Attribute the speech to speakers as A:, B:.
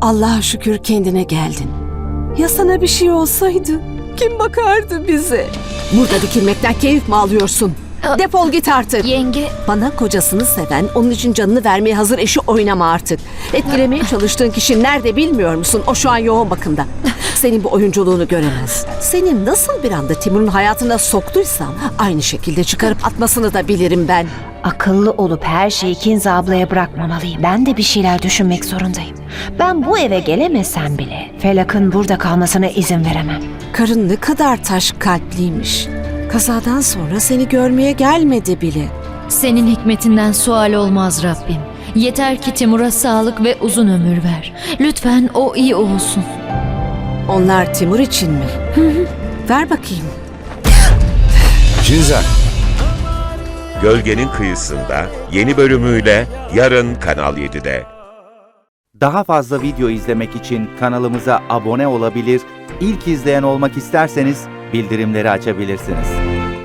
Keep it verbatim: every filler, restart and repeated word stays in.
A: Allah'a şükür kendine geldin. Ya sana bir şey olsaydı kim bakardı bize? Burada dikilmekten keyif mi alıyorsun? Defol git artık.
B: Yenge,
A: Bana kocasını seven, onun için canını vermeye hazır eşi oynama artık. Etkilemeye çalıştığın kişi nerede bilmiyor musun? O şu an yoğun bakımda. Senin bu oyunculuğunu göremez. Seni nasıl bir anda Timur'un hayatına soktuysam aynı şekilde çıkarıp atmasını da bilirim ben.
C: Akıllı olup her şeyi Kinza ablaya bırakmamalıyım. Ben de bir şeyler düşünmek zorundayım. Ben bu eve gelemesem bile Felak'ın burada kalmasına izin veremem.
A: Karın ne kadar taş kalpliymiş. Kazadan sonra seni görmeye gelmedi bile.
B: senin hikmetinden sual olmaz Rabbim. Yeter ki Timur'a sağlık ve uzun ömür ver. Lütfen o iyi olsun.
A: Onlar Timur için mi? Ver bakayım.
D: Kinza.
E: Gölgenin Kıyısında yeni bölümüyle yarın Kanal yedide.
F: Daha fazla video izlemek için kanalımıza abone olabilir, ilk izleyen olmak isterseniz bildirimleri açabilirsiniz.